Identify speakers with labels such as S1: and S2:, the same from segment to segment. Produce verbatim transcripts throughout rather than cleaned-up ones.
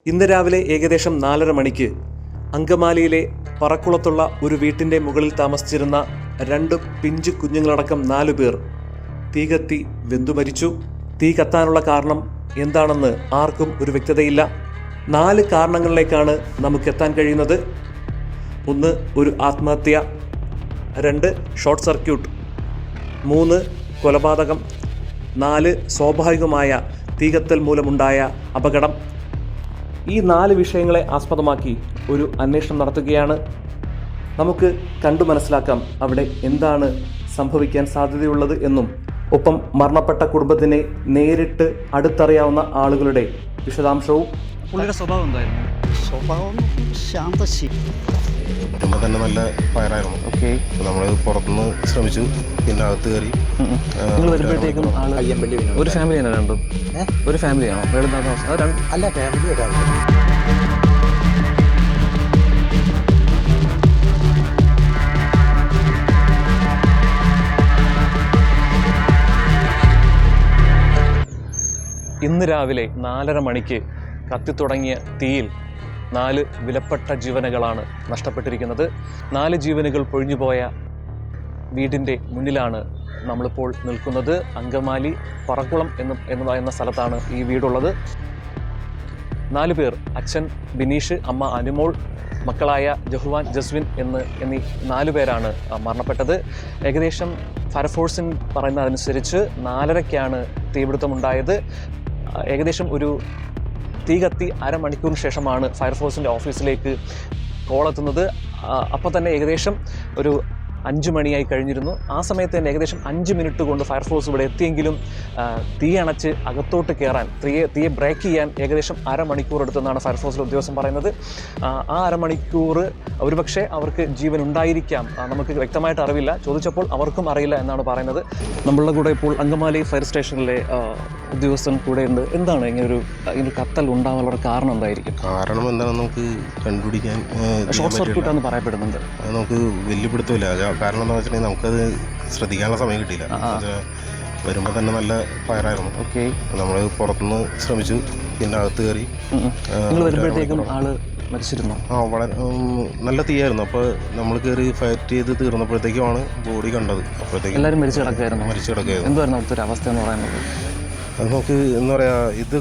S1: ഇന്ന് രാവിലെ ഏകദേശം നാലര മണിക്ക് അങ്കമാലിയിലെ പറക്കുളത്തുള്ള ഒരു വീട്ടിൻ്റെ മുകളിൽ താമസിച്ചിരുന്ന രണ്ട് പിഞ്ചു കുഞ്ഞുങ്ങളടക്കം നാലു പേർ തീ കത്തി വെന്തു മരിച്ചു. തീ കത്താനുള്ള കാരണം എന്താണെന്ന് ആർക്കും ഒരു വ്യക്തതയില്ല. നാല് കാരണങ്ങളിലേക്കാണ് നമുക്കെത്താൻ കഴിയുന്നത്. ഒന്ന്, ഒരു ആത്മഹത്യ. രണ്ട്, ഷോർട്ട് സർക്യൂട്ട്. മൂന്ന്, കൊലപാതകം. നാല്, സ്വാഭാവികമായ തീകത്തൽ മൂലമുണ്ടായ അപകടം. ഈ നാല് വിഷയങ്ങളെ ആസ്പദമാക്കി ഒരു അന്വേഷണം നടത്തുകയാണ്. നമുക്ക് കണ്ടു മനസ്സിലാക്കാം അവിടെ എന്താണ് സംഭവിക്കാൻ സാധ്യതയുള്ളത് എന്നും ഒപ്പം മരണപ്പെട്ട കുടുംബത്തിനെ നേരിട്ട് അടുത്തറിയാവുന്ന ആളുകളുടെ വിശദാംശവും.
S2: പുള്ളിയുടെ സ്വഭാവം എന്തായിരുന്നു?
S3: സ്വഭാവം ശാന്തശീലം.
S4: കുടുംബം തന്നെ നല്ല ഫയറായിരുന്നു.
S2: ഓക്കെ,
S4: നമ്മൾ പുറത്തുനിന്ന് ശ്രമിച്ചു, പിന്നെ അകത്ത് കയറി.
S2: നിങ്ങൾ വരുമ്പോഴത്തേക്കും ആള്
S3: അയ്യമ്പള്ളി
S2: ഒരു ഫാമിലിയാണോ? രണ്ടും ഒരു ഫാമിലിയാണോ? വേറെ
S3: അല്ല, ഫാമിലി ഒരാൾ.
S1: ഇന്ന് രാവിലെ നാലര മണിക്ക് കത്തിത്തുടങ്ങിയ തീയിൽ നാല് വിലപ്പെട്ട ജീവനുകളാണ് നഷ്ടപ്പെട്ടിരിക്കുന്നത്. നാല് ജീവനുകൾ പൊഴിഞ്ഞുപോയ വീടിൻ്റെ മുന്നിലാണ് നമ്മളിപ്പോൾ നിൽക്കുന്നത്. അങ്കമാലി പറക്കുളം എന്ന് എന്ന് പറയുന്ന സ്ഥലത്താണ് ഈ വീടുള്ളത്. നാല് പേർ, അച്ഛൻ ബിനീഷ്, അമ്മ അനുമോൾ, മക്കളായ ജഹുവാൻ, ജസ്വിൻ എന്ന് എന്നീ നാലു പേരാണ് മരണപ്പെട്ടത്. ഏകദേശം ഫയർഫോഴ്സിൻ പറയുന്നതനുസരിച്ച് നാലരയ്ക്കാണ് തീപിടുത്തമുണ്ടായത്. ഏകദേശം ഒരു തീ കത്തി അരമണിക്കൂറിന് ശേഷമാണ് ഫയർഫോഴ്സിൻ്റെ ഓഫീസിലേക്ക് കോളെത്തുന്നത്. അപ്പോൾ തന്നെ ഏകദേശം ഒരു അഞ്ച് മണിയായി കഴിഞ്ഞിരുന്നു. ആ സമയത്ത് തന്നെ ഏകദേശം അഞ്ച് മിനിറ്റ് കൊണ്ട് ഫയർഫോഴ്സ് ഇവിടെ എത്തിയെങ്കിലും തീ അണച്ച് അകത്തോട്ട് കയറാൻ, തീയെ തീയെ ബ്രേക്ക് ചെയ്യാൻ ഏകദേശം അരമണിക്കൂർ എടുത്തെന്നാണ് ഫയർഫോഴ്സിലെ ഉദ്യോഗസ്ഥൻ പറയുന്നത്. ആ അരമണിക്കൂർ ഒരുപക്ഷെ അവർക്ക് ജീവൻ ഉണ്ടായിരിക്കാം, നമുക്ക് വ്യക്തമായിട്ട് അറിവില്ല. ചോദിച്ചപ്പോൾ അവർക്കും അറിയില്ല എന്നാണ് പറയുന്നത്. നമ്മളുടെ കൂടെ ഇപ്പോൾ അങ്കമാലി ഫയർ സ്റ്റേഷനിലെ ഉദ്യോഗസ്ഥൻ കൂടെ ഉണ്ട്. എന്താണ് ഇങ്ങനൊരു ഇങ്ങനെ കത്തൽ ഉണ്ടാവാനുള്ള കാരണം എന്തായിരിക്കും?
S4: കാരണം എന്താണെന്ന് നമുക്ക് കണ്ടുപിടിക്കാൻ
S1: ഷോർട്ട് സർക്യൂട്ടാണെന്ന് പറയപ്പെടുന്നുണ്ട്.
S4: അത് നമുക്ക് വെല്ലുപിടുത്തമില്ല. കാരണം എന്താണെന്ന് വെച്ചിട്ടുണ്ടെങ്കിൽ നമുക്കത് ശ്രദ്ധിക്കാനുള്ള സമയം കിട്ടിയില്ല. വരുമ്പോൾ തന്നെ നല്ല ഫയറായിരുന്നു.
S1: ഓക്കെ,
S4: നമ്മൾ പുറത്തുനിന്ന് ശ്രമിച്ചു, പിന്നെ അകത്ത് കയറി.
S1: നിങ്ങൾ വരുമ്പോഴത്തേക്കും ആള് മരിച്ചിരുന്നു?
S4: ആ, വളരെ നല്ല തീയായിരുന്നു. അപ്പോൾ നമ്മൾ കയറി ഫയറ്റ് ചെയ്ത് തീർന്നപ്പോഴത്തേക്കുമാണ് ബോഡി കണ്ടത്. അപ്പോഴത്തേക്കും
S1: എല്ലാവരും മരിച്ചു കിടക്കായിരുന്നു.
S4: മരിച്ചു കിടക്കുകയായിരുന്നു.
S1: എന്തായിരുന്നു അവിടുത്തെ ഒരു അവസ്ഥ എന്ന് പറയുന്നത്?
S4: അത് നമുക്ക് എന്താ പറയുക, ഇത്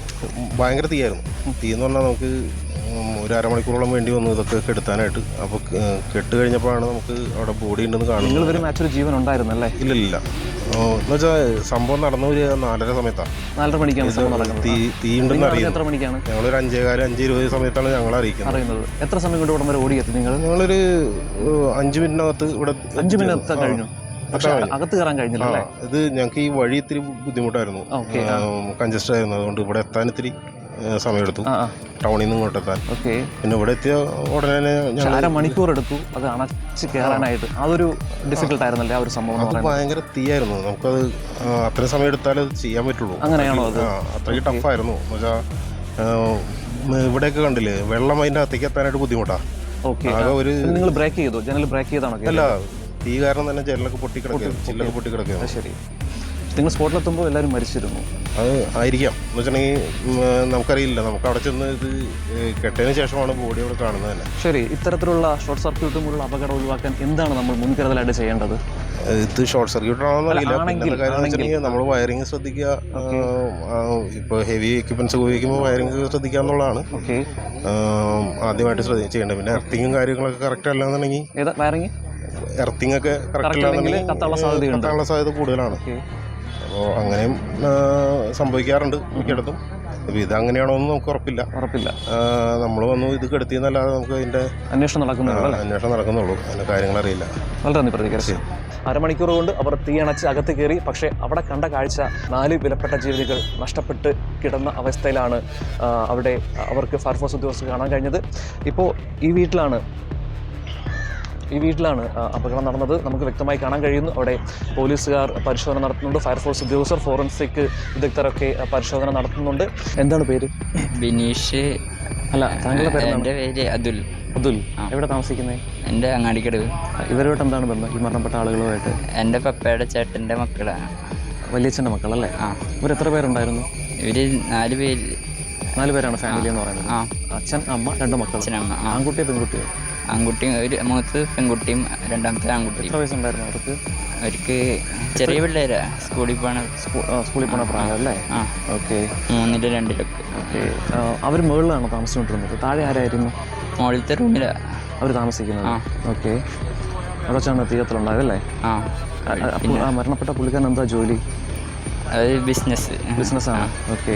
S4: ഭയങ്കര തീയായിരുന്നു. തീ എന്ന് പറഞ്ഞാൽ നമുക്ക് ഒരു അരമണിക്കൂറോളം വേണ്ടി വന്നു ഇതൊക്കെ കെടുത്താനായിട്ട്. അപ്പോൾ കെട്ട് കഴിഞ്ഞപ്പോഴാണ് നമുക്ക് അവിടെ ബോഡി ഉണ്ടെന്ന് കാണുന്നത്.
S1: നിങ്ങൾ വരും ആക്ച്വലി ജീവൻ ഉണ്ടായിരുന്നല്ലേ?
S4: ഇല്ല ഇല്ല എന്ന് വെച്ചാൽ സംഭവം നടന്ന ഒരു നാലര സമയത്താണ്.
S1: നാലര മണിക്കാണ്
S4: തീ തീ ഉണ്ടെന്ന് അറിയാം.
S1: എത്ര മണിക്കാണ്?
S4: ഞങ്ങളൊരു അഞ്ചേകാലം അഞ്ച് ഇരുപത് സമയത്താണ് ഞങ്ങൾ അറിയിക്കുന്നത്.
S1: അറിയുന്നത്. എത്ര സമയം കൊണ്ട് ഇവിടെ വരെ ഓടിയെത്തി നിങ്ങൾ?
S4: ഞങ്ങളൊരു അഞ്ച് മിനിറ്റിനകത്ത് ഇവിടെ.
S1: അഞ്ച് മിനിറ്റ് കഴിഞ്ഞു, പക്ഷേ അകത്ത് കയറാൻ കഴിഞ്ഞില്ല.
S4: ഇത് ഞങ്ങൾക്ക് ഈ വഴി ഇത്തിരി ബുദ്ധിമുട്ടായിരുന്നു, കൺജസ്റ്റ് ആയിരുന്നു. അതുകൊണ്ട് ഇവിടെ എത്താൻ ഇത്തിരി സമയമെടുത്തു, ടൗണിൽ നിന്ന് ഇങ്ങോട്ട് എത്താൻ.
S1: ഓക്കെ,
S4: പിന്നെ ഇവിടെ എത്തിയ ഉടനെ
S1: അര മണിക്കൂർ എടുത്തു അത് അണച്ച് കയറാനായിട്ട്. അതൊരു ഡിഫിക്കൽട്ട് ആയിരുന്നല്ലേ ആ ഒരു സംഭവം?
S4: അത് ഭയങ്കര തീയായിരുന്നു. നമുക്കത് അത്രയും സമയം എടുത്താലേ അത് ചെയ്യാൻ പറ്റുള്ളൂ.
S1: അങ്ങനെയാണോ? അത്
S4: അത്രയ്ക്ക് ടഫായിരുന്നു. എന്ന് വെച്ചാൽ ഇവിടെയൊക്കെ കണ്ടില്ലേ, വെള്ളം അതിൻ്റെ അകത്തേക്ക് എത്താനായിട്ട് ബുദ്ധിമുട്ടാണ്.
S1: ഓക്കെ, ഒരു നിങ്ങൾ ബ്രേക്ക് ചെയ്തു? ജനൽ ബ്രേക്ക് ചെയ്താണോ?
S4: അല്ല, തീ കാരണം തന്നെ ജനലൊക്കെ പൊട്ടിക്കിടക്കുക, ചില്ലൊക്കെ പൊട്ടിക്കിടക്കുക.
S1: ശരി, നിങ്ങൾ സ്പോട്ടിലെത്തുമ്പോൾ എല്ലാവരും മരിച്ചിരുന്നു?
S4: അത് ആയിരിക്കാം. എന്ന് വെച്ചിട്ടുണ്ടെങ്കിൽ നമുക്കറിയില്ല. നമുക്ക് അവിടെ ചെന്ന് ഇത് കെട്ടതിന് ശേഷമാണ് ബോഡി അവിടെ കാണുന്നത് തന്നെ.
S1: ശരി, ഇത്തരത്തിലുള്ള ഷോർട്ട് സർക്യൂട്ടും ഉള്ള അപകടം ഒഴിവാക്കാൻ എന്താണ് നമ്മൾ മുൻകരുതലായിട്ട് ചെയ്യേണ്ടത്?
S4: ഇത് ഷോർട്ട് സർക്യൂട്ട് ആണെന്ന് അറിയില്ല. പിന്നെ കാര്യം വെച്ചിട്ടുണ്ടെങ്കിൽ നമ്മൾ വയറിങ് ശ്രദ്ധിക്കുക. ഇപ്പോൾ ഹെവി എക്യുപ്മെന്റ്സ് ഉപയോഗിക്കുമ്പോൾ വയറിങ് ശ്രദ്ധിക്കുക എന്നുള്ളതാണ്
S1: ഓക്കെ
S4: ആദ്യമായിട്ട് ശ്രദ്ധ ചെയ്യേണ്ടത്. പിന്നെ എർത്തിങ്ങും കാര്യങ്ങളൊക്കെ കറക്റ്റ് അല്ലാന്നുണ്ടെങ്കിൽ,
S1: ഏതാ വയറിങ്
S4: എർത്തിങ് ഒക്കെ കറക്റ്റ് അല്ലാന്നുണ്ടെങ്കിൽ കത്താനുള്ള സാധ്യത കൂടുതലാണ്. അപ്പോൾ അങ്ങനെയും സംഭവിക്കാറുണ്ട് മിക്കയിടത്തും. അപ്പോൾ ഇതങ്ങനെയാണോ എന്ന് നമുക്ക് ഉറപ്പില്ല ഉറപ്പില്ല നമ്മൾ വന്നു ഇത് കെടുത്തിയെന്നല്ലാതെ നമുക്ക് അതിൻ്റെ
S1: അന്വേഷണം നടക്കുന്നുള്ളൂ
S4: അന്വേഷണം നടക്കുന്നുള്ളൂ അതിൻ്റെ കാര്യങ്ങൾ അറിയില്ല.
S1: വളരെ നന്ദി പ്രതികരിച്ചു. അരമണിക്കൂർ കൊണ്ട് അവർ തീയണച്ച് അകത്ത് കയറി. പക്ഷേ അവിടെ കണ്ട കാഴ്ച നാല് വിലപ്പെട്ട ജീവനുകൾ നഷ്ടപ്പെട്ട് കിടന്ന അവസ്ഥയിലാണ് അവിടെ അവർക്ക് ഫയർഫോഴ്സ് ഉദ്യോഗസ്ഥർ കാണാൻ കഴിഞ്ഞത്. ഇപ്പോൾ ഈ വീട്ടിലാണ് ഈ വീട്ടിലാണ് അപകടം നടന്നത്. നമുക്ക് വ്യക്തമായി കാണാൻ കഴിയുന്നു. അവിടെ പോലീസുകാർ പരിശോധന നടത്തുന്നുണ്ട്, ഫയർഫോഴ്സ് ഉദ്യോഗസ്ഥർ, ഫോറൻസിക് വിദഗ്ധരൊക്കെ പരിശോധന നടത്തുന്നുണ്ട്. എന്താണ് പേര്?
S5: ബിനീഷ്.
S1: അല്ല, താങ്കളുടെ പേര്?
S5: എൻ്റെ പേര് അതുൽ.
S1: അതുൽ, എവിടെ താമസിക്കുന്നത്?
S5: എൻ്റെ അങ്ങാടിക്കടവ്.
S1: ഇവരുമായിട്ട് എന്താണ് ബന്ധം, ഈ മരണപ്പെട്ട ആളുകളുമായിട്ട്?
S5: എൻ്റെ പപ്പയുടെ ചേട്ടൻ്റെ മക്കളാണ്.
S1: വലിയച്ഛൻ്റെ മക്കളല്ലേ?
S5: ആ.
S1: ഇവർ എത്ര പേരുണ്ടായിരുന്നു?
S5: ഇവർ നാല് പേര്.
S1: നാല് പേരാണ് ഫാമിലി എന്ന് പറയുന്നത്.
S5: ആ
S1: അച്ഛൻ, അമ്മ, രണ്ട് മക്കൾ.
S5: അച്ഛനമ്മ. ആ
S1: ആൺകുട്ടിയോ പെൺകുട്ടിയോ?
S5: ആൺകുട്ടിയും ഒരു മൂത്ത് പെൺകുട്ടിയും രണ്ടാമത്തെ ആൺകുട്ടിയും.
S1: എത്ര വയസ്സുണ്ടായിരുന്നു അവർക്ക്?
S5: അവർക്ക് ചെറിയ പിള്ളേരാ, സ്കൂളിൽ പോണ.
S1: സ്കൂളിൽ പോണ പ്രായം അല്ലേ?
S5: ആ
S1: ഓക്കെ.
S5: മൂന്നിലും രണ്ടിലൊക്കെ.
S1: ഓക്കെ. അവർ മുകളിലാണ് താമസിച്ചുകൊണ്ടിരുന്നത്. താഴെ ആരായിരുന്നു?
S5: മുകളിലത്തെ റൂമിലാണ്
S1: അവർ താമസിക്കുന്നത്.
S5: ആ
S1: ഓക്കെ. അവിടെ വെച്ചാണ് തീയത്തിലുണ്ടായതല്ലേ?
S5: ആ
S1: അപ്പോൾ ആ മരണപ്പെട്ട പുള്ളിക്കാരൻ എന്താ ജോലി?
S5: അത് ബിസിനസ്
S1: ബിസിനസ്സാണ്. ഓക്കെ.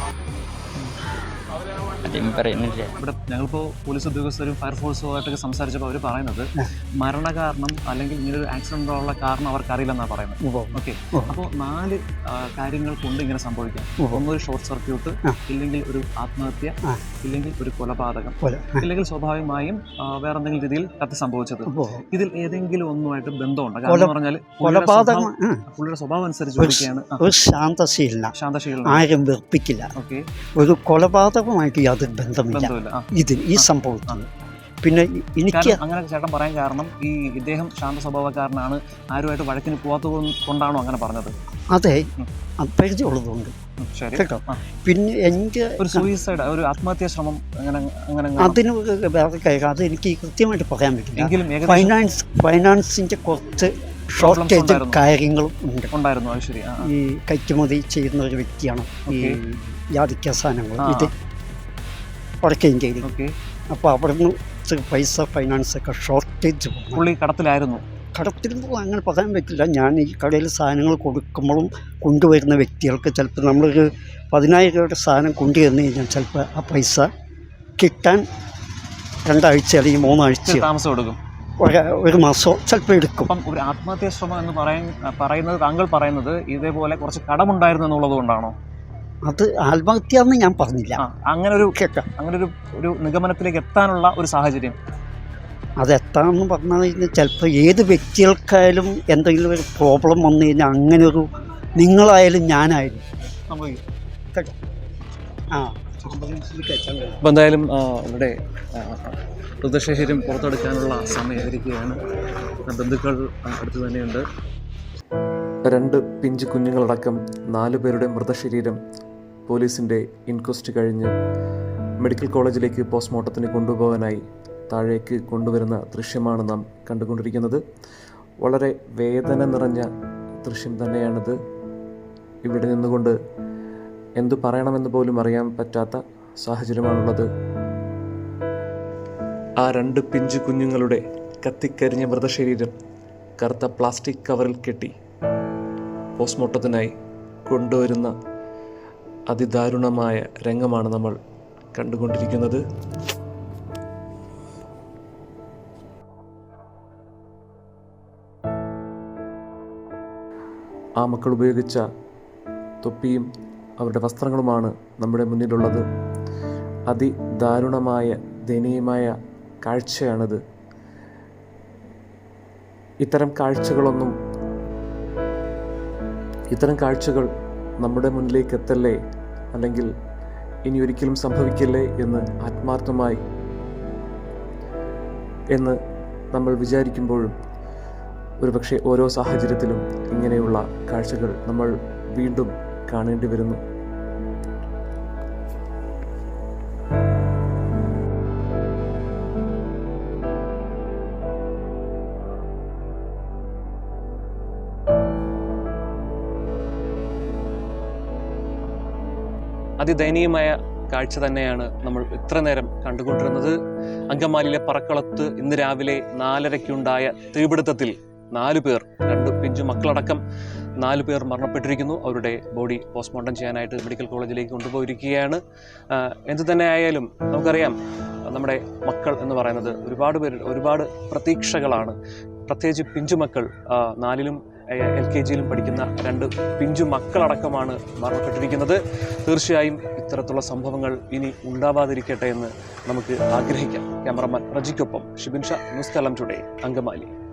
S5: അധികം പറയുന്നില്ല.
S1: ഇവിടെ ഞങ്ങളിപ്പോൾ പോലീസ് ഉദ്യോഗസ്ഥരും ഫയർഫോഴ്സും ആയിട്ടൊക്കെ സംസാരിച്ചപ്പോൾ അവർ പറയുന്നത് മരണകാരണം അല്ലെങ്കിൽ ഇങ്ങനൊരു ആക്സിഡൻ്റ് ഉള്ള കാരണം അവർക്കറിയില്ലെന്നാണ് പറയുന്നത്. ഓക്കെ. അപ്പോൾ നാല് കാര്യങ്ങൾ കൊണ്ട് ഇങ്ങനെ സംഭവിക്കാം. ഒന്നൊരു ഷോർട്ട് സർക്യൂട്ട്, ഇല്ലെങ്കിൽ ഒരു ആത്മഹത്യ, ഇല്ലെങ്കിൽ ഒരു കൊലപാതകം, ഇല്ലെങ്കിൽ സ്വാഭാവികമായും വേറെ എന്തെങ്കിലും രീതിയിൽ കത്തി സംഭവിച്ചത്. ഇതിൽ ഏതെങ്കിലും ഒന്നുമായിട്ട് ബന്ധമുണ്ട്? കാരണം പറഞ്ഞാൽ
S3: കൊലപാതകം
S1: പുള്ളിയുടെ സ്വഭാവം അനുസരിച്ച്
S3: ഒരു ശാന്തശീലന,
S1: ശാന്തശീലന,
S3: ആരും വെറുപ്പിക്കില്ല.
S1: ഓക്കെ.
S3: ഒരു കൊലപാതകമായിട്ട് യാതൊരു ബന്ധമില്ല ഇതിന്, ഈ സംഭവത്തിന്. പിന്നെ എനിക്ക്
S1: അങ്ങനെ ചേട്ടൻ പറയാൻ കാരണം ഈ ഇദ്ദേഹം ശാന്ത സ്വഭാവക്കാരനാണ്, ആരുമായിട്ട് വഴക്കിന് പോകാത്തത് കൊണ്ടാണോ അങ്ങനെ പറഞ്ഞത്?
S3: അതെ, പരിചയമുള്ളതുകൊണ്ട് കേട്ടോ. പിന്നെ എൻ്റെ
S1: ഒരു സൂയിസൈഡ്, ഒരു ആത്മഹത്യാ ശ്രമം അങ്ങനെ അങ്ങനെ
S3: അതിന് വേറെ കാര്യം അത് എനിക്ക് കൃത്യമായിട്ട് പറയാൻ പറ്റില്ല. ഫൈനാൻസ് ഫൈനാൻസിന്റെ കുറച്ച് ഷോർട്ടേജ് കാര്യങ്ങളും ഉണ്ട്
S1: ഉണ്ടായിരുന്നു. അത് ശരി.
S3: ഈ കയറ്റുമതി ചെയ്യുന്ന ഒരു വ്യക്തിയാണ് ഈ യാതിക്ക സാധനങ്ങൾ ഇത് വടക്കേ ഇന്ത്യയിൽ. അപ്പോൾ അവിടുന്ന് പൈസ ഫൈനാൻസ് ഒക്കെ ഷോർട്ടേജ്
S1: പുള്ളി കടത്തിലായിരുന്നു.
S3: കടത്തിൽ അങ്ങനെ പറയാൻ പറ്റില്ല. ഞാൻ ഈ കടയിൽ സാധനങ്ങൾ കൊടുക്കുമ്പോഴും കൊണ്ടുവരുന്ന വ്യക്തികൾക്ക് ചിലപ്പോൾ നമ്മളൊരു പതിനായിരം രൂപയുടെ സാധനം കൊണ്ടുവന്നു കഴിഞ്ഞാൽ ചിലപ്പോൾ ആ പൈസ കിട്ടാൻ രണ്ടാഴ്ച അല്ലെങ്കിൽ മൂന്നാഴ്ച
S1: താമസം എടുക്കും,
S3: ഒരു മാസം ചിലപ്പോൾ എടുക്കും.
S1: അപ്പം ഒരു ആത്മഹത്യാ ശ്രമം എന്ന് പറയാൻ പറയുന്നത് താങ്കൾ പറയുന്നത് ഇതേപോലെ കുറച്ച് കടമുണ്ടായിരുന്നു എന്നുള്ളത് കൊണ്ടാണോ?
S3: അത് ആത്മഹത്യ എന്ന് ഞാൻ പറഞ്ഞില്ല.
S1: അങ്ങനെ ഒരു കേൾക്കാം, അങ്ങനെ ഒരു ഒരു നിഗമനത്തിലേക്ക് എത്താനുള്ള ഒരു സാഹചര്യം
S3: അതെത്താമെന്ന് പറഞ്ഞു കഴിഞ്ഞാൽ ചിലപ്പോൾ ഏത് വ്യക്തികൾക്കായാലും എന്തെങ്കിലും ഒരു പ്രോബ്ലം വന്നു കഴിഞ്ഞാൽ അങ്ങനെ ഒരു നിങ്ങളായാലും ഞാനായാലും കേട്ടോ. ആ
S1: അപ്പോൾ എന്തായാലും ഇവിടെ മൃതശരീരം പുറത്തെടുക്കാനുള്ള സമയമായിരിക്കുകയാണ്. ബന്ധുക്കൾ അടുത്ത് തന്നെയുണ്ട്. രണ്ട് പിഞ്ച് കുഞ്ഞുങ്ങളടക്കം നാലു പേരുടെ മൃതശരീരം പോലീസിൻ്റെ ഇൻക്വസ്റ്റ് കഴിഞ്ഞ് മെഡിക്കൽ കോളേജിലേക്ക് പോസ്റ്റ്മോർട്ടത്തിന് കൊണ്ടുപോകാനായി താഴേക്ക് കൊണ്ടുവരുന്ന ദൃശ്യമാണ് നാം കണ്ടുകൊണ്ടിരിക്കുന്നത്. വളരെ വേദന നിറഞ്ഞ ദൃശ്യം തന്നെയാണിത്. ഇവിടെ നിന്നുകൊണ്ട് എന്തു പറയണമെന്ന് പോലും അറിയാൻ പറ്റാത്ത സാഹചര്യമാണുള്ളത്. ആ രണ്ട് പിഞ്ചു കുഞ്ഞുങ്ങളുടെ കത്തിക്കരിഞ്ഞ മൃതശരീരം കറുത്ത പ്ലാസ്റ്റിക് കവറിൽ കെട്ടി പോസ്റ്റ്മോർട്ടത്തിനായി കൊണ്ടുവരുന്ന അതിദാരുണമായ രംഗമാണ് നമ്മൾ കണ്ടുകൊണ്ടിരിക്കുന്നത്. ആ മക്കൾ ഉപയോഗിച്ച തൊപ്പിയും അവരുടെ വസ്ത്രങ്ങളുമാണ് നമ്മുടെ മുന്നിലുള്ളത്. അതിദാരുണമായ ദയനീയമായ കാഴ്ചയാണിത്. ഇത്തരം കാഴ്ചകളൊന്നും ഇത്തരം കാഴ്ചകൾ നമ്മുടെ മുന്നിലേക്ക് എത്തല്ലേ, അല്ലെങ്കിൽ ഇനി ഒരിക്കലും സംഭവിക്കല്ലേ എന്ന് ആത്മാർത്ഥമായി എന്ന് നമ്മൾ വിചാരിക്കുമ്പോഴും ഒരുപക്ഷെ ഓരോ സാഹചര്യത്തിലും ഇങ്ങനെയുള്ള കാഴ്ചകൾ നമ്മൾ വീണ്ടും കാണേണ്ടി വരുന്നു. അതിദയനീയമായ കാഴ്ച തന്നെയാണ് നമ്മൾ ഇത്ര നേരം കണ്ടുകൊണ്ടിരുന്നത്. അങ്കമാലിയിലെ പറക്കളത്ത് ഇന്ന് രാവിലെ നാലരയ്ക്കുണ്ടായ തീപിടുത്തത്തിൽ നാലു പേർ, രണ്ട് പിഞ്ചു മക്കളടക്കം നാലു പേർ മരണപ്പെട്ടിരിക്കുന്നു. അവരുടെ ബോഡി പോസ്റ്റ്മോർട്ടം ചെയ്യാനായിട്ട് മെഡിക്കൽ കോളേജിലേക്ക് കൊണ്ടുപോയിരിക്കുകയാണ്. എന്തു തന്നെ ആയാലും നമുക്കറിയാം, നമ്മുടെ മക്കൾ എന്ന് പറയുന്നത് ഒരുപാട് പേര് ഒരുപാട് പ്രതീക്ഷകളാണ്. പ്രത്യേകിച്ച് പിഞ്ചുമക്കൾ, നാലിലും എൽ കെ ജിയിലും പഠിക്കുന്ന രണ്ട് പിഞ്ചു മക്കളടക്കമാണ് മരണപ്പെട്ടിരിക്കുന്നത്. തീർച്ചയായും ഇത്തരത്തിലുള്ള സംഭവങ്ങൾ ഇനി ഉണ്ടാവാതിരിക്കട്ടെ എന്ന് നമുക്ക് ആഗ്രഹിക്കാം. ക്യാമറമാൻ റജിക്കൊപ്പം ഷിബിൻ ഷാ, ന്യൂസ് കേരളം ടുഡേ, അങ്കമാലി.